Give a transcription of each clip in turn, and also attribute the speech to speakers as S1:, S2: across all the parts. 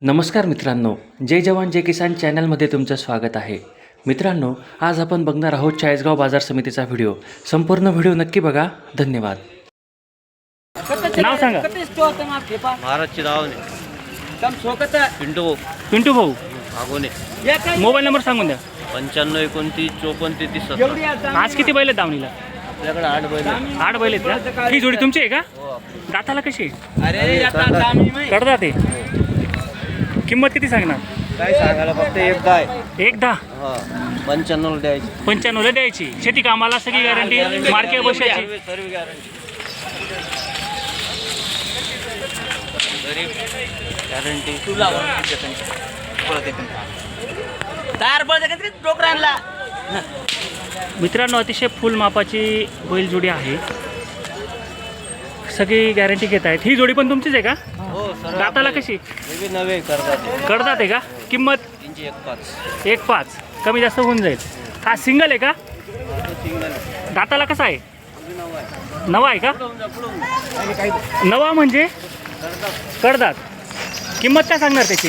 S1: नमस्कार मित्रांनो, जय जवान जय किसान चॅनलमध्ये तुमचं स्वागत आहे. मित्रांनो, आज आपण बघणार आहोत चाळीसगाव बाजार समितीचा व्हिडिओ. संपूर्ण व्हिडिओ नक्की बघा. धन्यवाद.
S2: नाव सांगा.
S3: महाराजची नावाने
S2: पिंटू भाऊ,
S3: आगोने
S2: मोबाईल नंबर सांगून द्या.
S3: 95 29 54 33 17.
S2: आज किती बैल आहेत दावणीला?
S3: आपल्याकडे 8 बैल आहेत.
S2: 8 बैल आहेत का? ही जोडी तुमची आहे का?
S3: हो आपली.
S2: दाताला कशी आहे?
S3: अरे
S2: कडदा ते. किंमत किती सांगणार?
S3: काय सांगायला फक्त एकदा आहे.
S2: एकदा
S3: हा 95 द्यायची.
S2: 95 ला द्यायची. शेती कामाला सगळी गॅरंटी, मार्के बसायची.
S3: सर्व गॅरंटी. गॅरंटी तुला
S2: मित्रांनो, अतिशय फुल मापाची बैल जोडी आहे. सगळी गॅरंटी घेत आहेत. ही जोडी पण तुमचीच आहे का?
S3: हो सर.
S2: दाताला कशी?
S3: नवे करतात.
S2: कडदात आहे का? किंमत
S3: 315.
S2: 1.5 कमी जास्त होऊन जाईल. हा सिंगल आहे का? दाताला कसा आहे? नवा आहे का? नवा म्हणजे कडदात. किंमत काय सांगणार त्याची?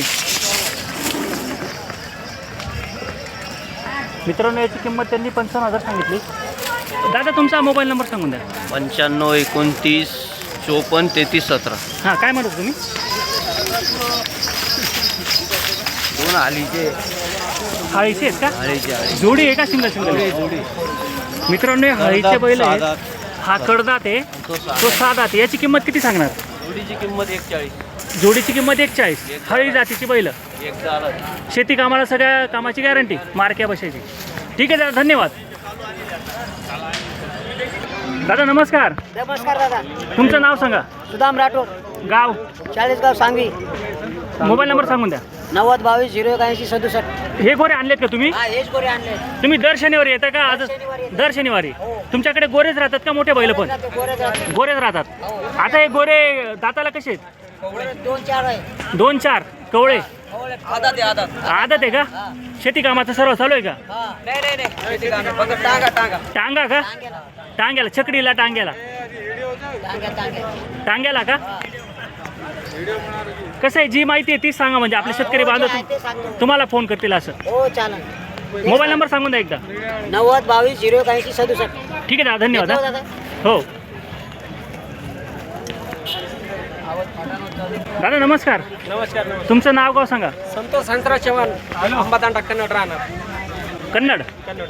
S2: मित्रांनो, याची किंमत त्यांनी 55,000 सांगितली. दादा, तुमचा मोबाईल नंबर सांगून द्या.
S3: 95 29 54 33 17.
S2: हां, काय म्हणत तुम्ही?
S3: दोन आलीचे
S2: हळीचे आहेत का?
S3: आळीचे
S2: जोडी आहे का सिंगल सिंगल?
S3: जोडी.
S2: मित्रांनो, हे हळीचे बैल आहेत.
S3: साधात.
S2: हा कडदात आहे, तो साधात आहे. याची किंमत किती सांगणार?
S3: जोडीची किंमत 41.
S2: जोडीची किंमत 41. हळी जातीची बैल,
S3: एकदा आला.
S2: शेती कामाला सगळ्या कामाची गॅरंटी, मार्क्या बसायची. ठीक आहे दादा, धन्यवाद. दादा नमस्कार.
S4: नमस्कार दादा.
S2: तुमचं नाव सांगा.
S4: सुदाम राठोड,
S2: गाव,
S4: चाळीसगाव, सांगवी.
S2: मोबाईल नंबर सांगून द्या.
S4: 90 22 01 80 67.
S2: हे गोरे आणलेत का तुम्ही?
S4: हा, हेच गोरे आणले.
S2: तुम्ही दर शनिवारी येता का? आज
S4: शनिवारी येतो.
S2: दर शनिवारी. तुमच्याकडे गोरेच राहतात का मोठे बैल पण?
S4: गोरे जाते.
S2: गोरेच राहतात. आता हे गोरे दाताला कसे आहेत?
S4: 2-4 आहे.
S2: 2-4 कवळे.
S4: आदात आहे, आदात.
S2: आदत आहे का? शेती कामाचं सर्व चालू आहे का?
S4: नाही. फक्त टांगा टांगा.
S2: टांगा का? टांग्याला, छकडीला टांग्याला. टांग्याला का? कसं आहे, जी माहिती आहे तीच सांगा, म्हणजे आपले शेतकरी बांधव तुम्हाला फोन करतील असं.
S4: हो, चालेल.
S2: मोबाईल नंबर सांगून द्या एकदा.
S4: 90 22 01 80 67.
S2: ठीक आहे दादा, धन्यवाद.
S4: येतो
S2: हा.
S4: दादा.
S2: हो दादा नमस्कार.
S5: नमस्कार.
S2: तुमचं नाव गाव सांगा.
S5: संतोष हंसराज चव्हाण, अंबादांडा, कन्नड राहणार.
S2: कन्नड.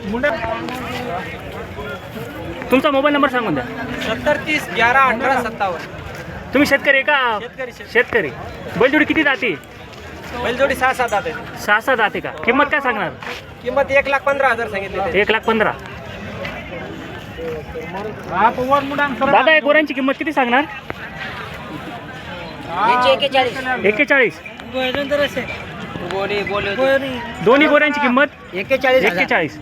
S2: तुमचा मोबाईल नंबर सांगून द्या.
S5: 70 30 11 18 57.
S2: तुम्ही शेतकरी आहे का?
S5: शेतकरी.
S2: शेतकरी. बैलजोडी किती जाते?
S5: बैलजोडी 6-7 आहे.
S2: 6-6 जाते का? किंमत काय सांगणार?
S5: किंमत 1,15,000 सांगितली.
S2: 1,15,000. दादा, या गोऱ्यांची किंमत किती सांगणार?
S4: यांची 41.
S2: 41.
S5: गोडी बोल.
S2: दोन्ही गोऱ्यांची किंमत
S4: 41,000.
S2: 41.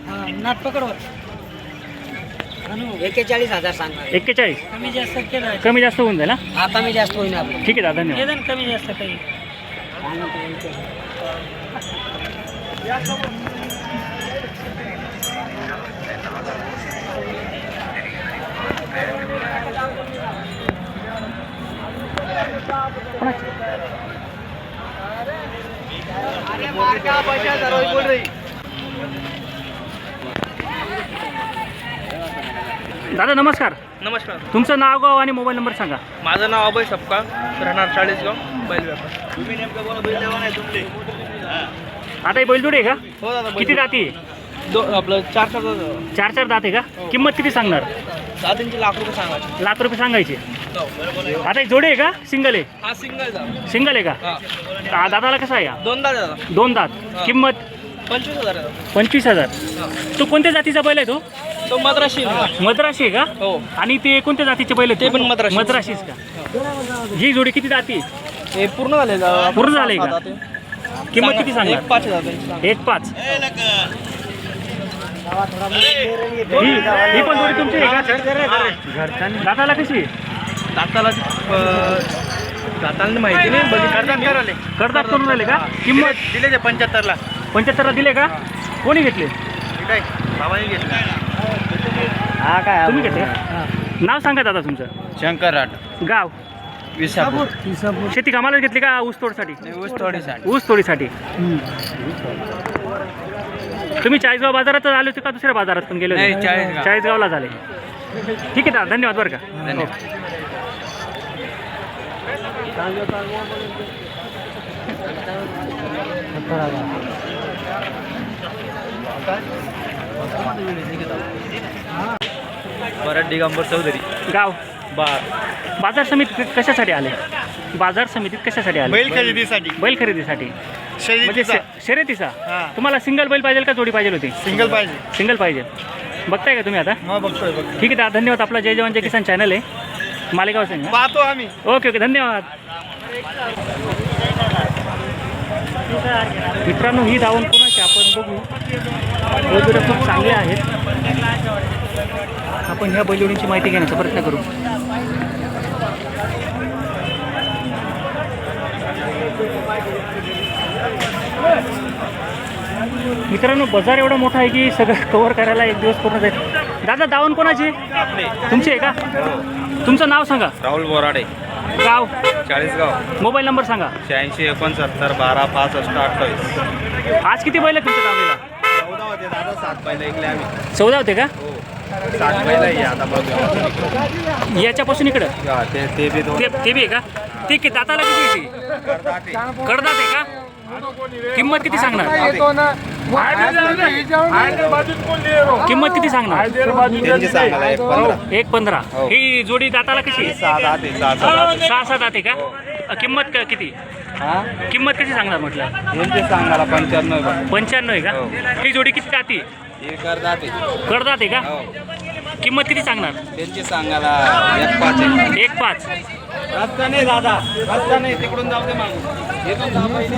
S4: 41,000 सांगा.
S2: 41. कमी जास्त होऊन जाईल.
S4: हा, कमी जास्त होईल आपलं.
S2: ठीक आहे दादा, धन्यवाद.
S4: कमी जास्त काही.
S2: दादा नमस्कार.
S5: नमस्कार.
S2: तुमचं नाव गाव आणि मोबाईल नंबर सांगा.
S5: माझं नाव अभय सपकाळ, राहणार चाळीसगाव, बैल व्यापार.
S2: आता ही बैलजोडी आहे का?
S5: हो दादा.
S2: किती दाती आहे?
S5: आपलं 4
S2: 4 दात आहे का? किंमत किती सांगणार?
S5: लाख रुपये सांगायचे.
S2: लाख रुपये सांगायचे. आता ही जोडी आहे का? सिंगल आहे?
S5: हा सिंगल.
S2: सिंगल आहे का? दादाला कसा आहे?
S5: 2 दादा.
S2: 2 दात. किंमत
S5: 25,000.
S2: 25,000. तो कोणत्या जातीचा बैल आहे तो?
S5: तो मद्राशी.
S2: मद्राशी आहे का?
S5: हो.
S2: आणि ते कोणत्या जातीचे बैल आहेत?
S5: ते पण मद्राशी.
S2: मद्राशीच का? ही जोडी किती जाती?
S5: हे पूर्ण झाले.
S2: पूर्ण झाले का? किंमत किती सांगणार?
S5: 1,500.
S2: 1.5. ही पण जोडी तुमची आहे का? दादाला कशी?
S5: दाताला माहिती नाही.
S2: करतात करून राहिले का? किंमत
S5: दिले ते 75ला.
S2: 75ला दिले का? कोणी घेतले?
S5: बाबांनी घेतलं.
S2: तुम्ही घेतले? नाव सांगा दादा तुमचं.
S3: शंकर राठ.
S2: गाव.
S3: विसापूर
S2: शेती कामाला घेतली का ऊस तोडसाठी?
S3: ऊस थोडीसाठी.
S2: ऊस तोडीसाठी. तुम्ही चाळीसगाव बाजारात आले होते का दुसऱ्या बाजारात पण गेले
S3: नाही,
S2: होते?
S3: चाळीसगाव.
S2: चाळीसगावला झाले. ठीक आहे दादा, धन्यवाद बरं का.
S3: धन्यवाद. परत दिगंबर चौधरी.
S2: गाव बाजार समितीत कशासाठी आले? बाजार समितीत कशासाठी आले?
S5: बैल खरेदीसाठी.
S2: बैल खरेदीसाठी. म्हणजे
S5: शर्यतीचा.
S2: शर्यतीचा.
S5: हा.
S2: तुम्हाला सिंगल बैल पाहिजे का जोडी पाहिजे होती?
S5: सिंगल पाहिजे.
S2: सिंगल पाहिजे. बघताय का तुम्ही आता?
S5: मग बघतोय.
S2: ठीक आहे दादा, धन्यवाद. आपला जय जवान जय किसान चॅनल आहे, मालेगाव संघ.
S5: पाहतो आम्ही.
S2: ओके ओके, धन्यवाद. मित्रांनो, ही धावण कोणाची आपण बघू. बैलजोड्या खूप चांगल्या आहेत. आपण ह्या बैलजोडींची माहिती घेण्याचा प्रयत्न करू. मित्रांनो, बाजार एवढा मोठा आहे की सगळं कव्हर करायला एक दिवस पूर्ण जाईल. दादा, दावण कोणाची? तुमची आहे का? तुमचं नाव सांगा.
S3: राहुल बोराडे,
S2: गाव,
S3: चाळीसगाव.
S2: मोबाईल नंबर सांगा.
S3: 86 69 12 65 28.
S2: आज किती बैल आहेत तुमच्या दावणीला?
S3: 14 होते दादा, 7 बैल ऐकले आम्ही.
S2: 14 होते का?
S3: 7 बैल आहे आता बघ.
S2: याच्यापासून इकडं
S3: ते बी दोन.
S2: ते बी आहे का? ठीक आहे. दाताला किती येते? कडदात आहे का? किंमत किती सांगणार? किंमत किती सांगणार?
S3: त्यांची सांगायला 1.15.
S2: 1.15.
S3: हो.
S2: ही जोडी दाताला कशी?
S3: 6 दाते 6
S2: 6 दाते का? किंमत किती?
S3: हा,
S2: किंमत कशी सांगणार म्हटलं?
S3: यांची सांगायला 95 बघ.
S2: 95 आहे का?
S3: हो.
S2: ही जोडी किती दाती?
S3: हे करदाते.
S2: कडदात आहे का?
S3: हो,
S2: किंमत किती सांगणार?
S3: त्यांची सांगायला 1.5 आहे.
S2: 1.5.
S3: रस्ता नाही दादा, रस्ता नाही, तिकडून जाऊ दे मागून. इथून जा पहिले.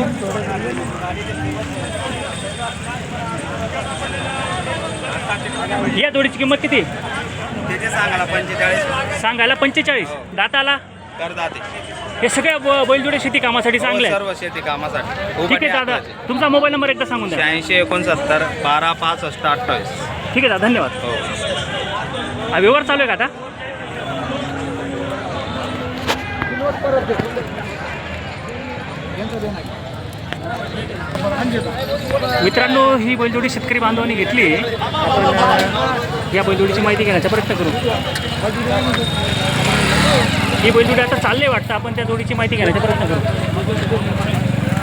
S2: या जोडीची किंमत किती?
S3: त्याचे सांगायला 45.
S2: सांगायला 45. दाताला?
S3: करदाते.
S2: हे सगळ्या बैलजोडे शेती कामासाठी चांगले आहेत.
S3: सर्व शेती कामासाठी.
S2: ठीक आहे दादा, तुमचा मोबाईल नंबर एकदा सांगून द्या.
S3: 86 69 12 65 28.
S2: ठीक आहे दादा, धन्यवाद.
S3: हो.
S2: हा व्यवहार चालू आहे का आता? मित्रांनो, ही बैलजोडी शेतकरी बांधवांनी घेतली. आपण या बैलजोडीची माहिती घेण्याचा प्रयत्न करू. ही बैलजोडी आता चालले वाटतं. आपण त्या जोडीची माहिती घेण्याचा प्रयत्न करू.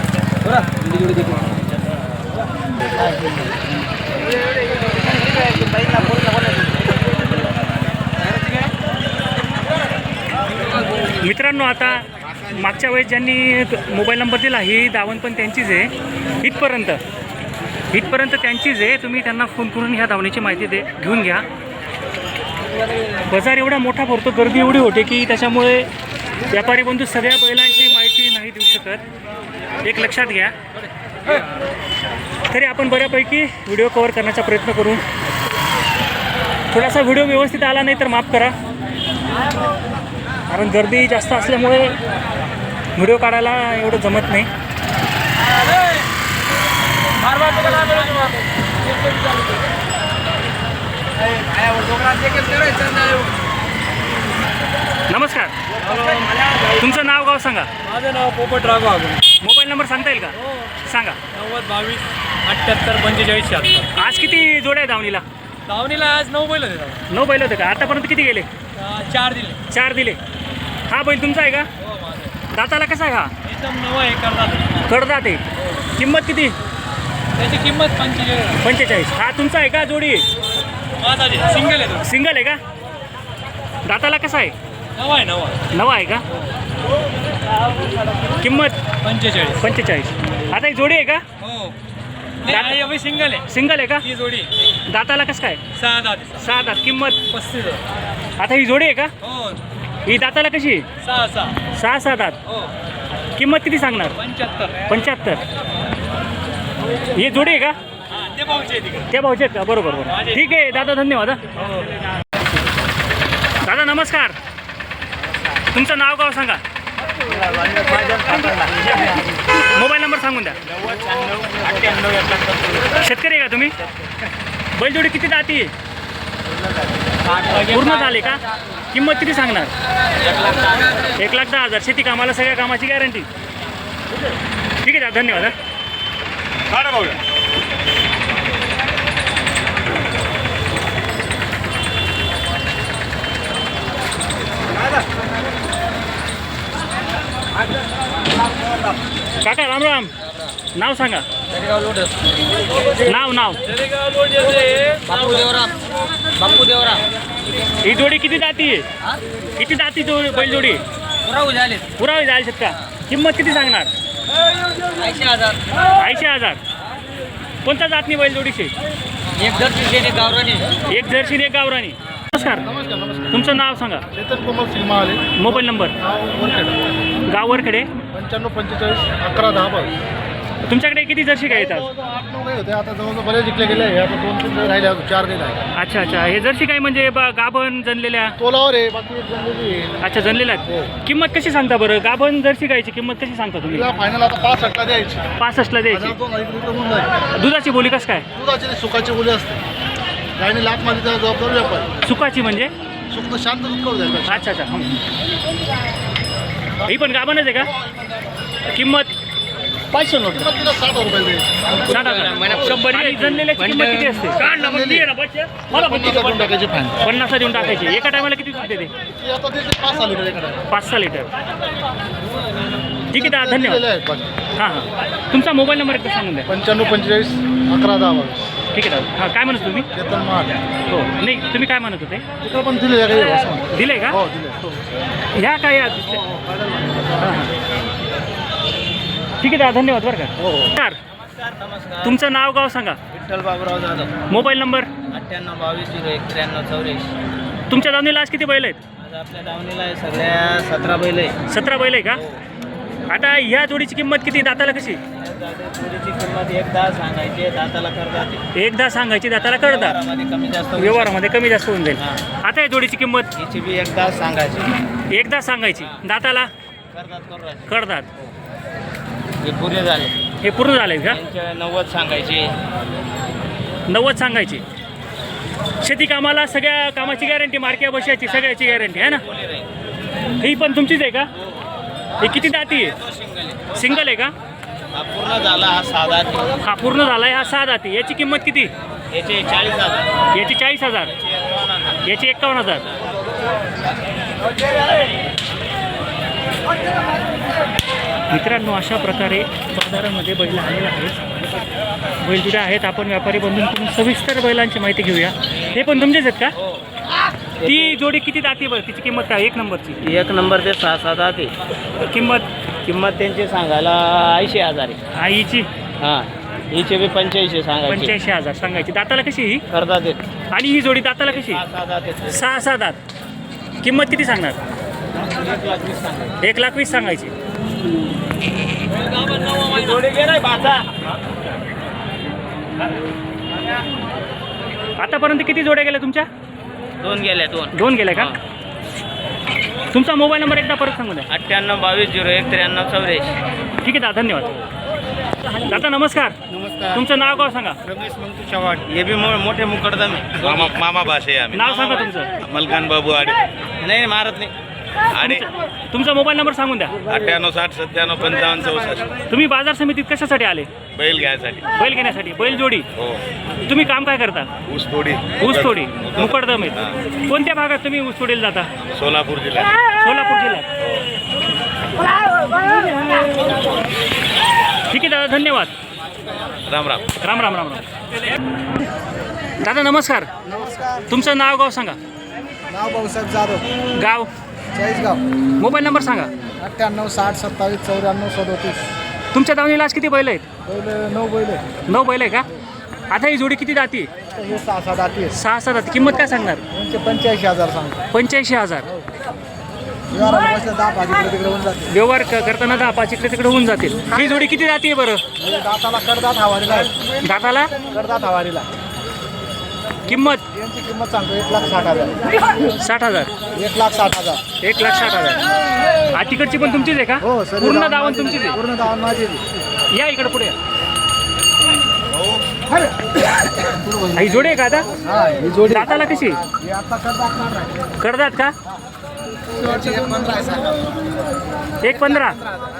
S2: मित्रांनो, आता मागच्या वेळेस ज्यांनी मोबाईल नंबर दिला, ही दावण पण त्यांचीच आहे. इथपर्यंत त्यांचीच आहे. तुम्ही त्यांना फोन करून ह्या दावणीची माहिती घेऊन घ्या. बाजार एवढा मोठा भरतो, गर्दी एवढी होते की त्याच्यामुळे व्यापारी बंधू सगळ्या बैलांची माहिती नाही देऊ शकत. एक लक्षात घ्या. तरी आपण बऱ्यापैकी व्हिडिओ कव्हर करण्याचा प्रयत्न करू. थोडासा व्हिडिओ व्यवस्थित आला नाही तर माफ करा, कारण गर्दी जास्त असल्यामुळे व्हिडिओ काढायला एवढं जमत नाही. नमस्कार, तुमचं नाव गाव सांगा.
S5: माझं नाव पोपट राघव.
S2: मोबाईल नंबर सांगता येईल का? सांगा.
S5: 90 22 78 45 76.
S2: आज किती जोड्या आहे दावणीला?
S5: दावणीला आज 9 बैल होते.
S2: 9 बैल होते का? आतापर्यंत किती गेले?
S5: 4 दिले.
S2: 4 दिले. हा बैल तुमचा आहे का? दाताला कसा आहे हा?
S5: एकदम नवा आहे करतात.
S2: कडदात आहे. किंमत किती?
S5: त्याची किंमत
S2: 45. हा तुमचा आहे का जोडी?
S5: माझा सिंगल आहे.
S2: सिंगल आहे का? दाताला कसा आहे?
S5: नवा आहे.
S2: नवा आहे का? किंमत
S5: 45.
S2: आता एक जोडी आहे का?
S5: हो, नाही अभी सिंगल आहे.
S2: सिंगल आहे का?
S5: ही जोडी
S2: दाताला कसं काय?
S5: 6 दात.
S2: 6 दात. किंमत
S5: 35.
S2: आता ही जोडी आहे का?
S5: हो,
S2: ही दाताला कशी? 6 दात.
S5: हो,
S2: किंमत किती सांगणार? 75. ही जोडी आहे का?
S5: ते पाहुचे तिकडे.
S2: त्या भाऊचे आहेत का? बरोबर. ठीक आहे दादा, धन्यवाद. दादा नमस्कार, तुमचं नाव गाव सांगा. मोबाईल नंबर सांगून द्या. शेतकरी आहे का तुम्ही? बैलजोडी किती दाती? पूर्ण झाले का? किंमत किती सांगणार? 1,10,000. शेती कामाला सगळ्या कामाची गॅरंटी. ठीक आहे दादा, धन्यवाद. काका राम राम. नाव सांगा. नाव
S4: बापू देवराम
S2: ही जोडी किती जाती आहे? किती जाती बैलजोडी? पुरावे जायला का? किंमत किती सांगणार? 80,000. कोणता जातनी बैलजोडीचे?
S4: एक गावरानी.
S2: एक जर्सी एक गावरानी. नमस्कार. तुमचं नाव सांगा.
S6: Chetan Komal Singh Mahale,
S2: mobile number.
S6: वरखेड,
S2: गाव वरखेडे.
S6: 95 45 11 10 22.
S2: तुमच्याकडे किती जर्सी काय येतात?
S6: 8-9 गाई होते, आता जवळजवळ बरेच जिंकले गेले. आता 2-3 गाई राहिले, अजून 4 गाई राहिले.
S2: अच्छा अच्छा. हे जर्सी काय म्हणजे गाभण जनलेल्या?
S6: तोलावर आहे, बाकी एक जनलेली आहे.
S2: अच्छा, जनलेल्या आहेत. किंमत कशी सांगता बरं? गाभण जर्सी गायची किंमत कशी सांगता तुम्ही?
S6: तिला फायनल आता 65 द्यायची.
S2: 65ला द्यायची.
S6: 1,000-2,000 होऊन जाईल.
S2: दुधाची बोली कसं काय?
S6: दुधाची सुखाची बोली असते. गायने लात मारली त्याला जबाबदार व्यापारी.
S2: सुकाची म्हणजे?
S6: सुख शांत दूध करू जाईल.
S2: अच्छा अच्छा. ही पण गाभणच आहे का? किंमत? 500 नोट.
S6: तिला 60 रुपये द्यायची.
S2: 60,000. 100. आणि जनलेल्याची किंमत किती असते?
S6: 50 टाकायची फायनल.
S2: 50 देऊन टाकायची. एका टायमाला किती दूध देते?
S6: ती आता देते 5 लिटर एकडे.
S2: 5-6 लिटर. ठीक आहे दादा, धन्यवाद. हां हां. तुमचा मोबाईल नंबर एकदा सांगून द्या.
S6: 95 45 11 10 22.
S2: ठीक आहे दादा. हां, काय म्हणत तुम्ही?
S6: चेतन महाले.
S2: हो नाही, तुम्ही काय म्हणत होते?
S6: तिकडे पण दिले गाई असं म्हणतो.
S2: दिले का?
S6: हो दिले.
S2: ह्या काय या दुसऱ्या? हां हां. ठीक आहे दादा, धन्यवाद बरं का.
S6: हो हो.
S2: नमस्कार. तुमचं नाव गाव सांगा.
S4: विठ्ठल बाबूराव जाधव.
S2: Mobile number.
S4: 98 22 01 93 84.
S2: तुमच्या दावणीला आज किती बैल आहेत?
S4: आज आपल्या दावणीला आहे सगळ्या 17 बैल आहे.
S2: 17 बैल आहे का? आता ह्या जोडीची किंमत किती? दाताला कशी?
S4: जोडीची किंमत 1,10 सांगायची, दाताला करतात.
S2: एकदा सांगायची, दाताला करतात.
S4: व्यवहारामध्ये कमी जास्त
S2: व्यवहारामध्ये कमी जास्त होऊन जाईल. आता या जोडीची किंमत
S4: हिची बी 1,10 सांगायची,
S2: एकदा सांगायची, दाताला
S4: करतात.
S2: करतात.
S4: हे पुरे झाले.
S2: हे पूर्ण झाले का?
S4: त्यांच्या 90 सांगायची.
S2: 90 सांगायची. शेती कामाला सगळ्या कामाची गॅरंटी, मार्क्या बशाची सगळ्याची गॅरंटी आहे ना? ही पण तुमचीच आहे का? हे किती दाती आहे? सिंगल आहे का?
S4: हा पूर्ण झाला, हा साधा.
S2: हा पूर्ण झाला आहे, हा 6 दाती. याची किंमत किती?
S4: याचे 40,000.
S2: याची 40,000. याची 51,000. मित्रांनो, अशा प्रकारे बाजारामध्ये बैल आलेले आहेत. बैलजुड्या आहेत. आपण व्यापारी बंधूंकडून सविस्तर बैलांची माहिती घेऊया. हे पण तुमचेच आहेत का? ती जोडी किती दाती बरं? तिची किंमत काय? 1 नंबरची.
S4: 1 नंबर ते 6-7 दाते.
S2: किंमत
S4: त्यांची सांगायला 80,000 आहे.
S2: आईची
S4: हां, हिचे बी 85 सांगायचे.
S2: 85,000 सांगायची. दाताला कशी ही?
S4: करतात ते.
S2: आणि ही जोडी दाताला कशी?
S4: 6-7 दाते.
S2: 6-6 दात. किंमत किती सांगणार?
S4: 1,20,000 सांगायचे.
S2: 1,20,000 सांगायची.
S4: जोडी घे नाही बाचा.
S2: आतापर्यंत किती जोड्या गेल्या तुमच्या?
S4: 2 गेल्या.
S2: 2 गेल्या का? तुमचा मोबाईल नंबर एकदा परत सांगू द्या.
S4: 98 22 01 93 84.
S2: ठीक आहे दादा, धन्यवाद. दादा नमस्कार.
S6: नमस्कार.
S2: तुमचं नाव गाव सांगा.
S6: रमेश मंतू चव्हाण.
S4: हे बी मोठे मुकडदम आहे.
S3: मामा भाषे आम्ही
S2: नाव सांगा तुमचं.
S3: मलकान बाबू आडे
S4: नाही मारत नाही.
S3: आडे
S2: तुमचा मोबाईल नंबर सांगून द्या.
S3: 98 60 97 55 64.
S2: तुम्ही बाजार समितीत कशासाठी आले?
S3: बैल घ्यायसाठी.
S2: बैल घेण्यासाठी. बैल जोडी.
S3: हो.
S2: तुम्ही काम काय करता?
S3: ऊस तोडी.
S2: ऊसतोडी. मुकडदम आहेत. कोणत्या भागात तुम्ही ऊसतोडीला जाता?
S3: सोलापूर जिल्हा.
S2: सोलापूर जिल्ह्यात. ठीक आहे दादा, धन्यवाद.
S3: राम राम.
S2: राम राम राम राम. दादा नमस्कार.
S6: नमस्कार.
S2: तुमचं नाव गाव सांगा.
S6: नाव भाऊसाहेब जाधव,
S2: गाव.
S6: चाळीसगाव.
S2: मोबाईल नंबर सांगा.
S6: 98 60 27 94 37.
S2: तुमच्या दावणीला आज किती बैल आहेत?
S6: बैल 9 बैल आहे.
S2: 9 बैल आहे का? आता ही जोडी किती दाती?
S6: हे 6-7 दाती आहे.
S2: 6-7 दाती. किंमत काय सांगणार?
S6: त्यांचे 85,000 सांगतो.
S2: 85,000.
S6: व्यवहाराला बसल्या 10 भाजी तिकडे होऊन जाते.
S2: व्यवहार करताना 10-5 इकडे तिकडे होऊन जातील. ही जोडी किती दाती आहे बरं?
S6: म्हणजे दाताला करदात हवारीला आहे.
S2: दाताला
S6: करदात हवारीला.
S2: किंमत?
S6: यांची किंमत सांगतो 1,60,000.
S2: 60,000.
S6: 1,60,000.
S2: 1,60,000. हा तिकडची पण तुमचीच आहे का?
S6: हो सर.
S2: पूर्ण दावण तुमचीच आहे.
S6: पूर्ण दावण माझी आहे.
S2: या इकडे पुढे या. ही जोडी आहे का आता
S6: हा ही जोडी
S2: दाताला कशी
S6: ही आता करतात
S2: करतात का
S6: शेवटची 15 आहे सांगा
S2: 1.15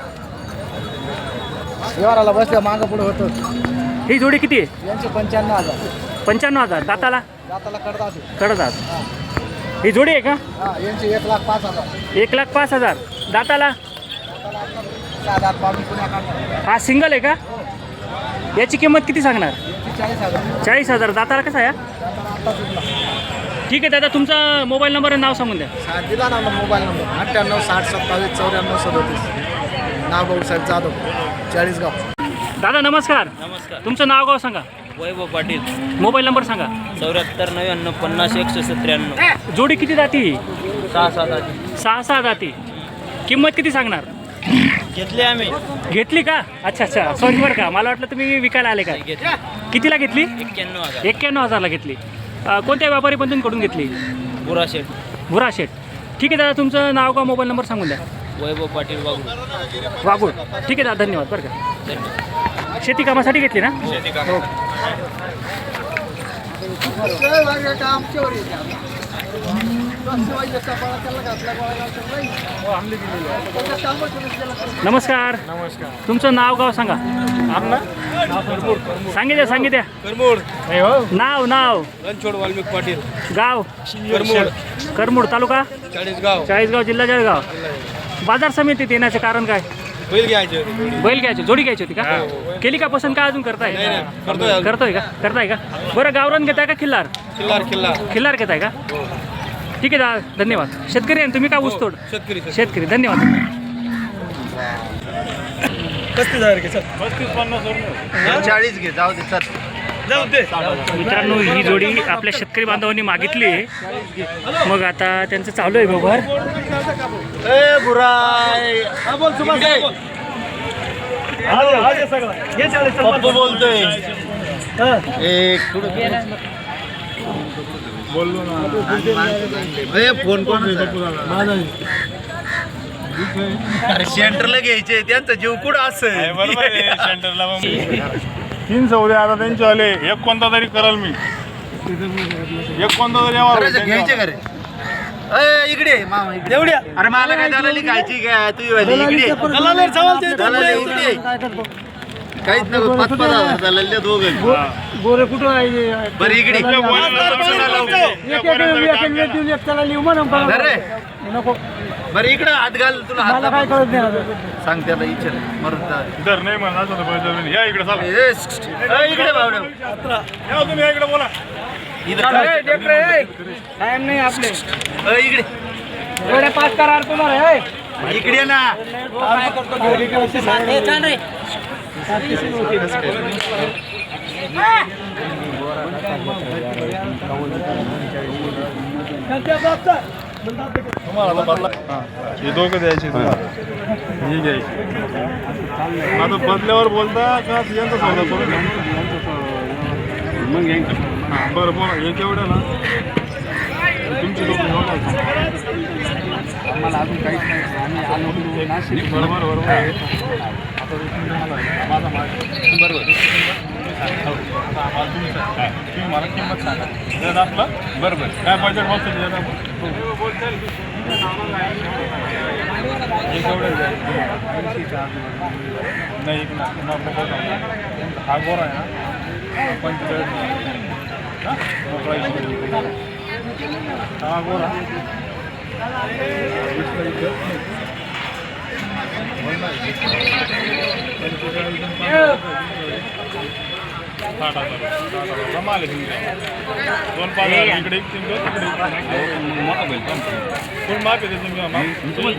S6: व्यवहाराला बसल्या मागं पुढे होतं
S2: ही जोडी किती आहे
S6: यांचे 95,000
S2: 95,000 दाताला
S6: दाताला करतात
S2: करतात ही जोडी आहे का
S6: हा यांचे 1,05,000
S2: 1,05,000 दाताला
S6: 6,000 पावली पुण्या काढतात
S2: हा सिंगल आहे का याची किंमत किती सांगणार
S6: यांचे 40,000
S2: 40,000 दाताला कसा आहे
S6: दाताला आता सुटला
S2: ठीक आहे दादा तुमचा मोबाईल नंबर आणि नाव सांगून द्या
S6: दिला ना मोबाईल नंबर 98 60 27 94 37 नाव भाऊसाहेब जाधव 40गाव
S2: दादा नमस्कार
S4: नमस्कार
S2: तुमचं नाव गाव सांगा
S4: वैभव पाटील
S2: मोबाईल नंबर सांगा
S4: 74 99 50 193
S2: जोडी किती जाती
S4: 6-7 आधी
S2: 6 जाती किंमत किती सांगणार
S4: घेतले आम्ही
S2: घेतली का अच्छा सॉरी बरं का मला वाटलं तुम्ही विकायला आले काय
S4: घेतले
S2: कितीला घेतली
S4: 91,000
S2: 91,000ला घेतली कोणत्या व्यापारी बंधूंकडून घेतली
S4: बुरा शेठ
S2: भुरा शेठ ठीक आहे दादा तुमचं नाव का मोबाईल नंबर सांगून द्या
S4: वैभव पाटील बाबू
S2: वागूळ ठीक आहे दादा धन्यवाद बरं का
S4: धन्यवाद
S2: शेती कामासाठी घेतली ना नमस्कार तुमचं नाव गाव सांगा सांगितल्या
S3: करमोड
S2: नाव
S3: रणछोड वाल्मिक पाटील
S2: गाव करमूड तालुका चाळीसगाव जिल्हा जळगाव बाजार समितीत येण्याचं कारण काय
S3: बैल घ्यायचे
S2: बैल घ्यायची जोडी घ्यायची होती का केली का पसंत का अजून करताय करताय का बरं गावरान घेताय का खिल्लार खिल्लार घेताय का ठीक आहे दादा धन्यवाद शेतकरी आहे तुम्ही का ऊसतोड शेतकरी धन्यवाद
S3: 40 घे जाऊ दे
S2: मित्रांनो ही जोडी आपल्या शेतकरी बांधवांनी मागितली आहे मग आता त्यांचं चालू आहे व्यवहार
S3: बोलतोय फोन सेंटरला घ्यायचे त्यांचा जीव कुठं असं
S7: बरोबर सेंटरला 3 सौदे आता त्यांचे आले एक कोणता तरी कराल मी एक कोणता तरी यावर
S3: घ्यायचे का रे इकडे मामा इकडे अरे मला काय दलाली खायची काय तू इकडे इकडे काहीच नको 5,000 दलाल दोघं
S6: गोरे कुठं आहे
S3: बरं इकडे
S6: नको
S3: बरं इकडे हात घाल तुला
S6: मला काय कळत नाही
S3: सांग त्याला इच्छा मरून
S7: दर नाही म्हणा असं पाहिजे या इकडे चला
S3: इकडे भावड्या
S7: या तुम्ही या इकडे बोला
S6: टाइम नाही आपले
S3: इकडे
S6: एवढे 5 करार तुम्हाला
S3: इकडे ना
S7: हे दोघं द्यायचे ही घ्यायची आता बदल्यावर बोलता का यांचा सौदा करून मग हां बरं बोला हे केवढं ना तुमची लोक
S6: आम्हाला अजून काहीच नाही आम्ही आलो नाशिक
S7: बरोबर माझा माल
S3: बरोबर
S7: तुम्ही मला किंमत सांगा आपलं बरोबर काय बजेट बसतं नाही हा गोरा आहे ना 45 हा गोरा कमाल दोन पाच इकडे मोठा बैल फुल माप येते तुम्ही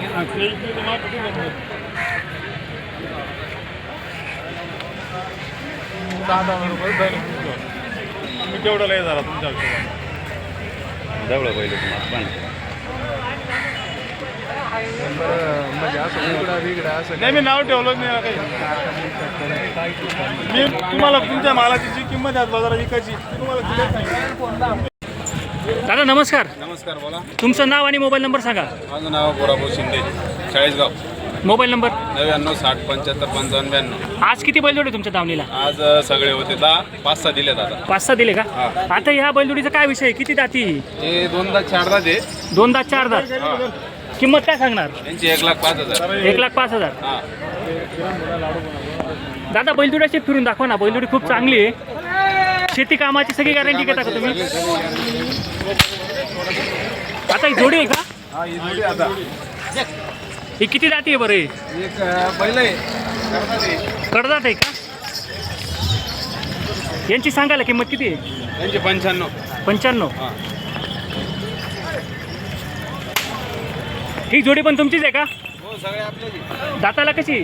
S7: तुम्ही केवढं लय झाला तुमच्या
S3: जवळ पहिले
S7: नाही मी नाव ठेवलंच नाही काही मी तुम्हाला तुमच्या मालाची जी किंमत आहे बाजारात विकायची तुम्हाला दिलीच नाही.
S2: दादा नमस्कार
S7: नमस्कार बोला
S2: तुमचं नाव आणि मोबाईल नंबर सांगा
S7: माझं नाव गोराभाऊ शिंदे 40गाव
S2: मोबाईल नंबर
S7: 99 60 75 55 92.
S2: आज किती बैलजोडे तुमच्या दावणीला?
S7: आज सगळे होते 10 5-6 दिलेत आता.
S2: 5-6 दिले का? आता ह्या बैलजोडीचा काय विषय आहे? किती दाती?
S7: हे 2 दात 4 दात आहे.
S2: 2 दात 4 दात. किंमत काय सांगणार?
S7: यांची 1,05,000.
S2: 1,05,000.
S7: हा.
S2: दादा बैलजोड्याची फिरून दाखवा ना. बैलजोडी खूप चांगली आहे. शेती कामाची सगळी गॅरंटी घेता का तुम्ही? आता ही जोडी आहे का?
S7: हा, ही जोडी आता
S2: ही किती दाती आहे बरं? ही
S7: एक बैल आहे करतात हे.
S2: कडदात आहे का? यांची सांगायला किंमत किती आहे?
S7: यांची 95.
S2: 95.
S7: हा.
S2: ही जोडी पण तुमचीच आहे का?
S7: हो, सगळे आपले.
S2: दाताला कशी?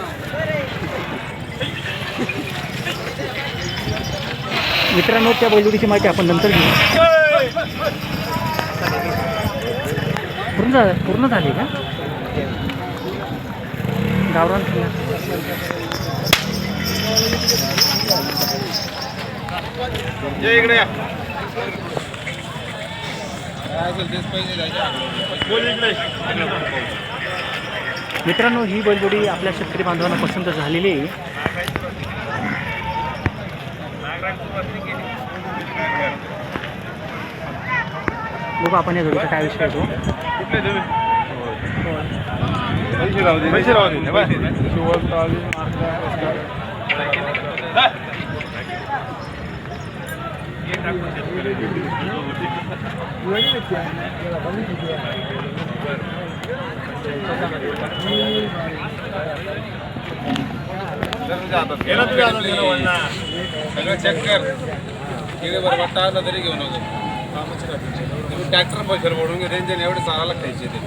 S2: मित्रांनो, त्या बैलजोडीची माहिती आपण नंतर घेऊ. पूर्ण झाली का? गावरान
S7: ये इकडे या. काय असेल तेच पैसे द्यायचे. बोल इकडे.
S2: मित्रांनो, ही बैलजोडी आपल्या शेतकरी बांधवांना पसंत झालेली आहे. बघू आपण या जोडीचा काय विषय येतो.
S7: कुठले तुम्ही? पैसे राहू दे. पैसे राहू दे. सगळं चेक कर. किती बरोबर टाळला तरी घेऊ नको. तुम्ही ट्रॅक्टर पैशाला बोलून घे. रेंजने एवढे चालायला खायचे ते.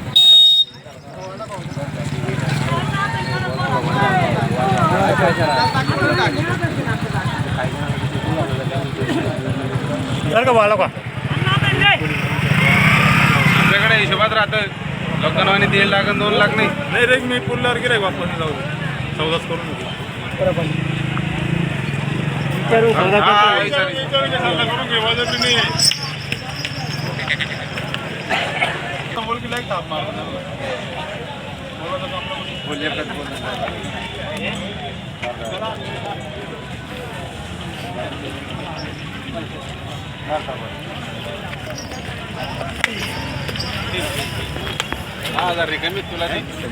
S7: आपल्याकडे हिशोबात राहतं. लोकांना 3 लाख 2 लाख नाही रे. मी पुल्लावर गिराय वापस जाऊ सौदाच करून कमी तुला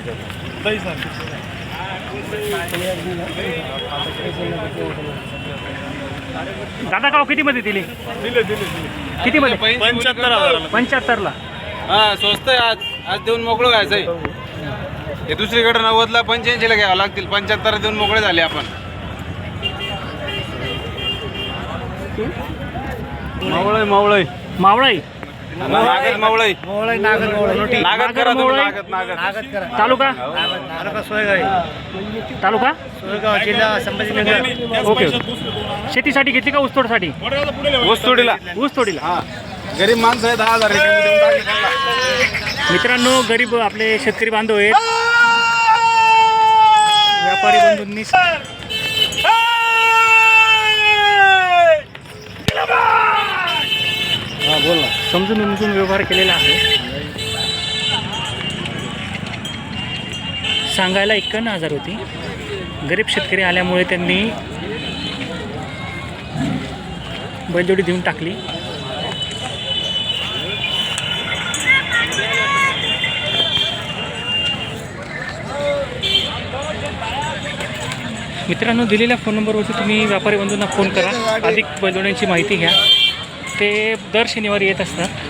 S2: दादा गाव किती मध्ये दिली? किती मध्ये? 75ला.
S7: हा, स्वस्त आहे. आज देऊन मोकळं व्हायचंय. हे दुसरीकडे 90ला 85ला घ्यावं लागतील. 75 देऊन मोकळे झाले आपण. मावळय मावळय
S2: मावळाई.
S7: नागद मावळय. नागद करा तुम्ही. नागद
S2: तालुका? तालुका
S6: जिल्हा संभाजीनगर.
S2: ओके. शेतीसाठी घेतली का ऊसतोडसाठी?
S7: ऊसतोडीला.
S2: ऊसतोडीला.
S7: हा, गरीब माणसं आहे. 10,000 कमी देऊन टाकले त्यांना.
S2: मित्रांनो, गरीब आपले शेतकरी बांधव आहेत. व्यापारी बंधूंनी समजून उमजून व्यवहार केलेला आहे. सांगायला 51,000 होती. गरीब शेतकरी आल्यामुळे त्यांनी बैलजोडी देऊन टाकली. मित्रांनो, दिलेल्या फोन नंबरवरती तुम्ही व्यापारी बंधूंना फोन करा. अधिक बैलजोड्यांची माहिती घ्या. ते दर शनिवारी येत असतात.